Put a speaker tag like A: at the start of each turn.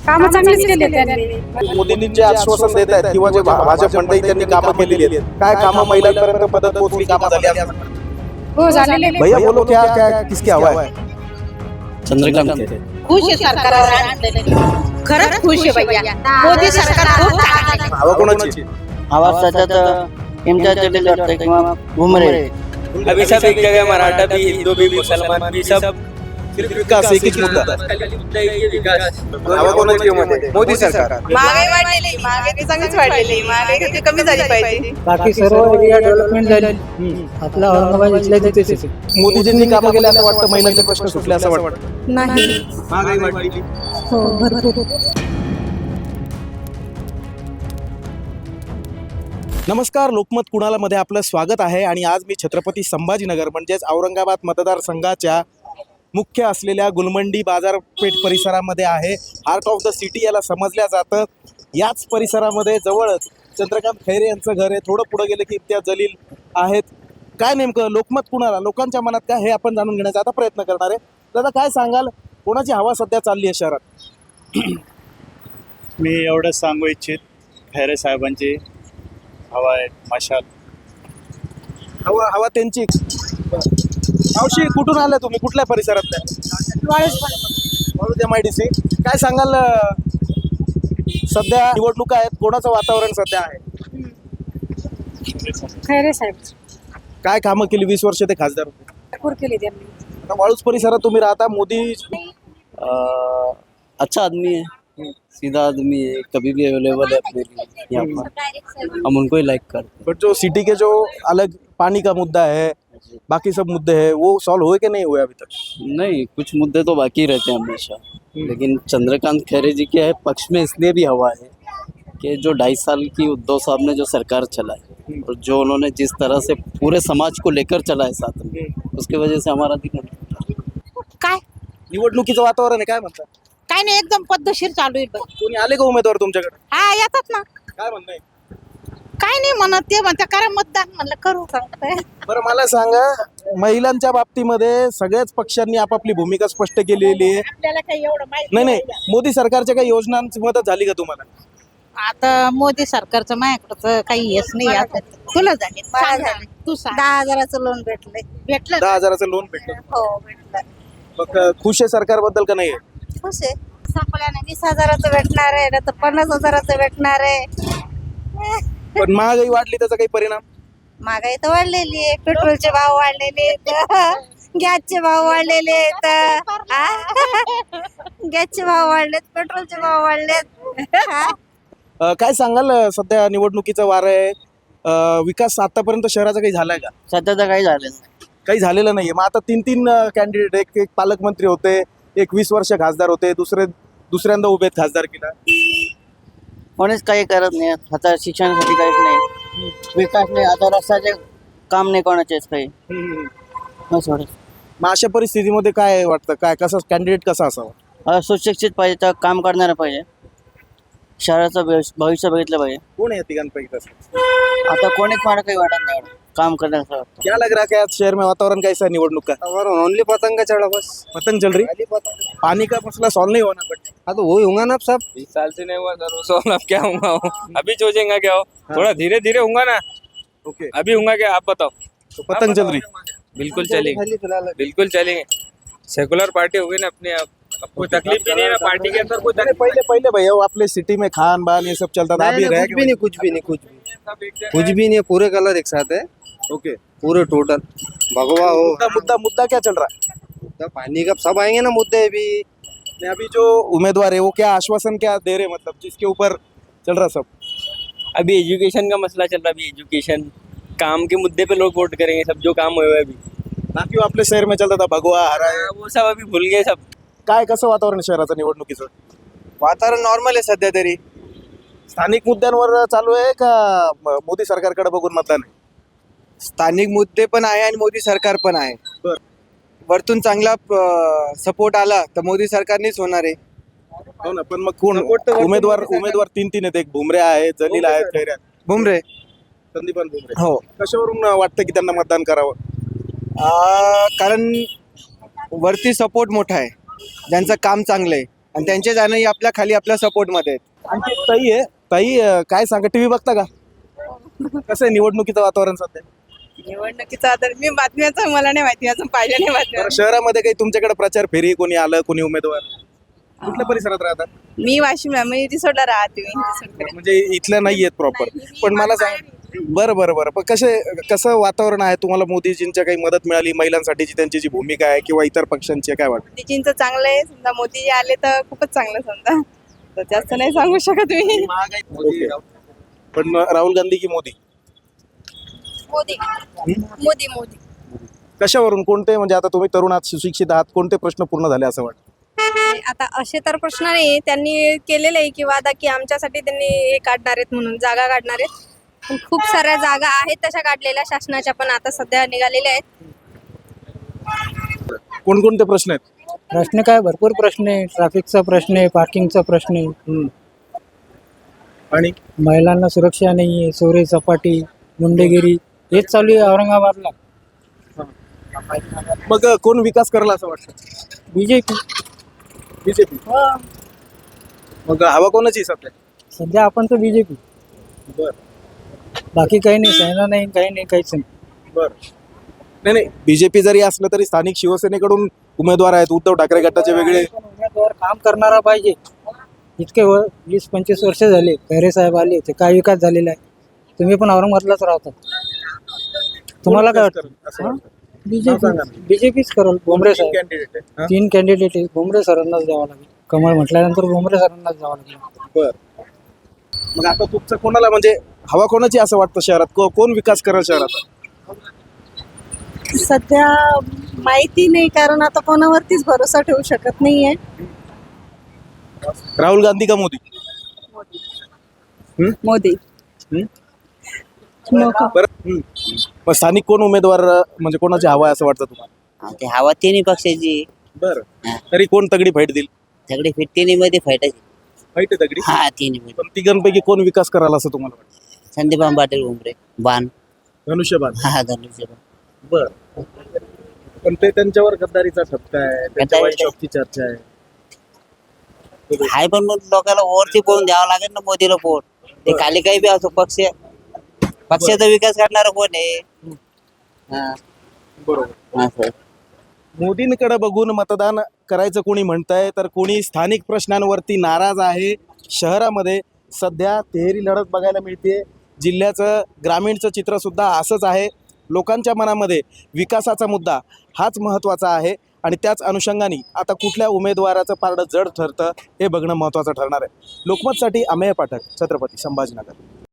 A: कामं चांगलीच केली त्यांनी.
B: मोदींनी जे आश्वासन देत आहेत किंवा जे भाजप मंडळी त्यांनी कामं केलेली आहेत, काय कामं महिलांपर्यंत मदत पोहोचली, कामं झाली असं?
A: हो झालेले.
B: भैया बोलो क्या क्या किसकी हवा है?
C: चंद्रकांत खैरे.
D: खुश आहे सरकारवर, खरंच खुश आहे भैया. मोदी सरकार खूप चांगलं आहे.
B: हवा कोणाची?
C: आवाज सध्यात इम्तियाज जलील वाटतं किंवा भुमरे.
E: अभी सब एक जगह, मराठा भी, हिंदू भी, मुसलमान भी, सब
B: सिर्फ विकास एकच मुद्दा. हवा कोणाची मध्ये? मोदी सरकार.
D: महागाई वाढलेली, महागाई चांगलीच वाढलेली, महागाई कमी झाली पाहिजे.
F: बाकी सर्व एरिया डेव्हलपमेंट झाली. आपला औरंगाबाद इथल्या तिथेच आहे.
B: मोदीजींनी कामं केले असं वाटतं, महिलांचे प्रश्न सुटले असं वाटतं?
A: नाही.
B: महागाई वाढली.
A: हो भरपूर.
B: नमस्कार, लोकमत कुणाला मध्ये आपलं स्वागत आहे. आणि आज मी छत्रपती संभाजीनगर म्हणजेच औरंगाबाद मतदारसंघाच्या मुख्य असलेल्या गुलमंडी बाजारपेठ परिसरामध्ये आहे. हार्ट ऑफ द सिटी याला समजल्या जातं. याच परिसरामध्ये जवळच चंद्रकांत खैरे यांचं घर आहे. थोडं पुढं गेलं की इम्तियाज जलील आहेत. काय नेमकं लोकमत कुणाला, लोकांच्या मनात काय, हे आपण जाणून घेण्याचा आता प्रयत्न करणार आहे. दादा काय सांगाल, कोणाची हवा सध्या चालली आहे शहरात?
G: मी एवढंच सांगू इच्छित, खैरे साहेबांची हवा आहे. मशाल
B: हवा त्यांची. मावशी कुठून आल्या तुम्ही, कुठल्या परिसरातल्या? MIDC. काय सांगाल, सध्या निवडणुका आहेत, कोणाचं वातावरण सध्या आहे?
A: खैरे साहेब
B: काय कामं केली, 20 वर्ष ते खासदार होते?
A: भरपूर केली त्यांनी.
B: आता वाळूज परिसरात तुम्ही राहता. मोदी
C: अच्छा आदमी है, सीधा आदमी है, कभी भी अवेलेबल है अपने लिए यहाँ पर. हम उनको ही लाइक करते हैं.
B: बट जो सिटी के जो अलग पानी का मुद्दा है, बाकी सब मुद्दे हैं, वो सॉल्व हुए कि नहीं हुए अभी तक?
C: नहीं, कुछ मुद्दे तो बाकी रहते हैं हमेशा. लेकिन चंद्रकांत खैरे जी के पक्ष में इसलिए भी हवा है कि जो 2.5 साल की उद्धव साहब ने जो सरकार चलाई और जो उन्होंने जिस तरह से पूरे समाज को लेकर चला है साथ में, उसकी वजह से हमारा दिक्कत.
D: काय
B: निवडणुकीचं वातावरण आहे, काय म्हणता?
D: काय नाही, एकदम पद्धतशीर चालू आहे बघ.
B: कोणी आले का उमेदवार तुमच्याकडे?
D: हा येतात ना.
B: काय म्हणणं आहे?
D: काय नाही म्हणत, ते म्हणतात करा मतदान, म्हणलं करू सांगताय.
B: बरं मला सांगा, महिलांच्या बाबतीमध्ये सगळ्याच पक्षांनी आपापली भूमिका स्पष्ट केलेली आहे.
D: आपल्याला काही एवढं माहिती
B: नाही, मोदी सरकारच्या काही योजनांची मदत झाली का तुम्हाला?
D: आता मोदी सरकारचं माझ्याकडचं काही हेच नाही. आता तुला झाली, मला झाली, तू सांग.
H: 10,000चं लोन भेटलंय.
D: भेटलं
B: 10,000चं लोन भेटलं.
H: हो भेटलं.
B: मग खुश आहे सरकारबद्दल का नाही?
H: खुश आहे. संपल्याने 20,000चं भेटणार आहे, नाही तर 50,000चं भेटणार आहे.
B: पण महागाई वाढली, त्याचा काही परिणाम?
H: महागाई तर वाढलेली आहे. पेट्रोलचे भाव वाढलेले आहेत, गॅसचे भाव वाढलेले आहेत. गॅसचे भाव वाढलेत, पेट्रोलचे भाव वाढलेत.
B: काय सांगाल, सध्या निवडणुकीचं वारं आहे, विकास आतापर्यंत शहराचा काही झालाय का?
C: सध्या तर काही झालं नाही.
B: काही झालेलं नाहीये. मग आता 3 कॅन्डिडेट, एक पालकमंत्री होते, एक 20 वर्ष खासदार होते, दुसऱ्यांदा उभे आहेत खासदारकीला.
C: कोणीच काही करत नाही. आता शिक्षणासाठी काहीच नाही, विकास नाही. आता रस्त्याचे काम नाही कोणाचेच काही. बस एवढंच.
B: मग अशा परिस्थितीमध्ये काय वाटतं, काय कसं कॅन्डिडेट कसा असावा?
C: सुशिक्षित पाहिजे, तर काम करणारं पाहिजे, शहराचं भविष्य बघितलं पाहिजे.
B: कोण आहे तिघांपैकी तसं?
C: आता कोणीच मला काही वाटत नाही एवढं काम करण्याचं.
B: क्या लग रहा है कि आज शहर में वातावरण कैसा है निवडणूक का?
F: ओनली पतंग का चढ़ा बस.
B: पतंग चल रही, पानी का मसला सॉल्व नहीं होना. बट
F: हाँ तो वही होगा ना अब सब.
E: 20 साल से नहीं हुआ सर, उसो अब क्या होगा? अभी सोचेंगे क्या हो, थोड़ा धीरे धीरे होगा ना.
B: ओके,
E: अभी होगा क्या, आप बताओ.
B: तो पतंग चल रही.
E: बिल्कुल चलेंगे, बिल्कुल चलेंगे. सेकुलर पार्टी होगी ना अपने आप, अब कोई तकलीफ भी नहीं है ना पार्टी के अंदर. कोई तकलीफ
B: पहले भैया वो अपने सिटी में खान बान ये सब चलता था, अभी रह
F: कुछ भी नहीं, कुछ भी नहीं, कुछ भी नहीं. पूरे कलर एक साथ है.
B: ओके,
F: पूरे टोटल भगवा हो.
B: मुद्दा क्या चल रहा है?
F: तो पानी का सब आएंगे ना मुद्दे भी.
B: नहीं, अभी जो उम्मीदवार है वो क्या आश्वासन क्या दे रहे, मतलब जिसके ऊपर चल रहा सब?
E: अभी एजुकेशन का मसला चल रहा है. अभी एजुकेशन काम के मुद्दे पे लोग वोट करेंगे, सब जो काम हुए अभी.
B: बाकी वो आपले शहर में चलता था भगवा हरा है.
E: वो सब अभी भूल गए सब.
B: काय कसं वातावरण शहराचं निवडणुकीचं?
F: वातावरण नॉर्मल आहे सध्या तरी.
B: स्थानिक मुद्द्यांवर चालू आहे का मोदी सरकारकडे बघून मतदान आहे?
F: स्थानिक मुद्दे पण आहे आणि मोदी सरकार पण आहे.
B: बरं.
F: वरतून चांगला सपोर्ट आला तर मोदी सरकारनेच होणार आहे.
B: हो ना, पण मग कोण उमेदवार 3 आहेत. एक भुमरे आहे, जलील आहेत, खैरे आहेत.
F: भुमरे.
B: संदीपान भुमरे.
F: हो.
B: कशावरून वाटतं की त्यांना मतदान करावं?
F: कारण वरती सपोर्ट मोठा आहे, ज्यांचं काम चांगलं आहे. आणि त्यांचे जाणंही आपल्या खाली आपल्या सपोर्टमध्ये आहेत.
B: आणखी एक ताई आहे. ताई काय सांगा, टीव्ही बघता का? कसं आहे निवडणुकीचं वातावरण सध्या?
I: निवडणुकीचा तर मी बातम्याचं मला नाही माहिती, अजून पाहिजे नाही बातम्या.
B: बरं, शहरामध्ये काही तुमच्याकडे प्रचार फेरी कोणी आलं, कोणी उमेदवार कुठल्या परिसरात राहतात?
I: मी वाशिमला मी रिसोडला राहते. मी रिसोडकडे.
B: म्हणजे इथल्या नाही आहेत प्रॉपर. पण मला सांग, बरं पण कसं वातावरण आहे? तुम्हाला मोदीजींच्या काही मदत मिळाली, महिलांसाठीची त्यांची जी भूमिका आहे किंवा इतर पक्षांची काय वाटतं?
I: मोदीजींचं चांगलं आहे, समजा मोदीजी आले तर खूपच चांगलं, समजा तर जास्त नाही सांगू शकत मी.
B: ओके. पण राहुल गांधी की मोदी?
H: मोदी मोदी मोदी
B: कशावरून? कोणते, म्हणजे आता तुम्ही तरुण आहात, सुशिक्षित आहात, कोणते प्रश्न पूर्ण झाले असं वाटतं?
H: आता असे तर प्रश्न नाही, त्यांनी केलेले आहे की वादा की आमच्यासाठी त्यांनी हे काढणार आहेत म्हणून, जागा काढणार आहेत. पण खूप साऱ्या जागा आहेत तशा काढलेल्या शासनाच्या, पण आता सध्या निघालेल्या आहेत.
B: कोणकोणते प्रश्न आहेत?
J: प्रश्न काय, भरपूर प्रश्न आहे. ट्रॅफिकचा प्रश्न आहे, पार्किंगचा प्रश्न आहे,
B: आणि
J: महिलांना सुरक्षा नाही आहे, चोरी चपाटी गुंडेगिरी हेच चालू आहे औरंगाबादला.
B: मग कोण विकास करला असं वाटतं?
J: BJP
B: BJP. मग हवा कोणाची सध्या?
J: सध्या आपण तर बीजेपी.
B: बर
J: बाकी काही नाही, सेना नाही, काही नाही, काहीच नाही.
B: बर नाही, बीजेपी जरी असलं तरी स्थानिक शिवसेनेकडून उमेदवार आहेत. उद्धव ठाकरे गटाचे वेगळे.
J: पण उमेदवार काम करणारा पाहिजे. इतके 20-25 वर्ष झाले खैरे साहेब आले, ते काय विकास झालेला आहे? तुम्ही पण औरंगाबादलाच राहता, तुम्हाला काय वाटतं?
B: असं वाटतं?
J: बीजेपीच करेल. भुमरे साहेब
B: कॅन्डिडेट आहे. हा?
J: 3 कॅन्डिडेट आहे, भुमरे सरांनाच द्यावं लागेल. कमळ म्हटल्यानंतर भुमरे सरांनाच द्यावं लागेल.
B: बर. मग आता तुमचं कोणाला, म्हणजे हवा कोणाची असं वाटतं शहरात? कोण विकास करेल शहरात?
A: सध्या माहिती नाही, कारण आता कोणावरतीच भरोसा ठेवू शकत नाहीये.
B: राहुल गांधी का मोदी?
I: मोदी.
B: बरं. मग स्थानिक कोण उमेदवार, म्हणजे कोणाची हवा आहे असं वाटतं तुम्हाला?
K: ते हवा तिन्ही पक्षाची.
B: बरं. तरी कोण तगडी फाईट देईल?
K: सगळे फिट तिन्ही मध्ये फायटायची.
B: फाईट आहे तगडी.
K: हा तिन्ही मध्ये.
B: पण तिघांपैकी कोण विकास कराल असं तुम्हाला वाटतं?
K: संदीपान पाटील उमरे बाण.
B: धनुष्यबाण.
K: हा धनुष्यबाण.
B: बर. पण ते त्यांच्यावर गद्दारीचा ठपका आहे, त्यांच्या वाईट शॉपची चर्चा आहे.
K: हाय, पण मग लोकांना वरती पोहून द्यावं लागेल ना मोदीला पोट. ते खाली काही बी असो, पक्षाचा विकास करणारा कोण आहे? हा
B: बरोबर.
K: असं.
B: मोदींकडे बघून मतदान करायचं कोणी म्हणतंय, तर कोणी स्थानिक प्रश्नांवरती नाराज आहे. शहरामध्ये सध्या तिहेरी लढत बघायला मिळते. जिल्ह्याचं ग्रामीणचं चित्र सुद्धा असंच आहे. लोकांच्या मनामध्ये विकासाचा मुद्दा हाच महत्त्वाचा आहे आणि त्याच अनुषंगाने आता कुठल्या उमेदवाराचं पारडं जड ठरतं हे बघणं महत्त्वाचं ठरणार आहे. लोकमतसाठी अमेय पाठक, छत्रपती संभाजीनगर.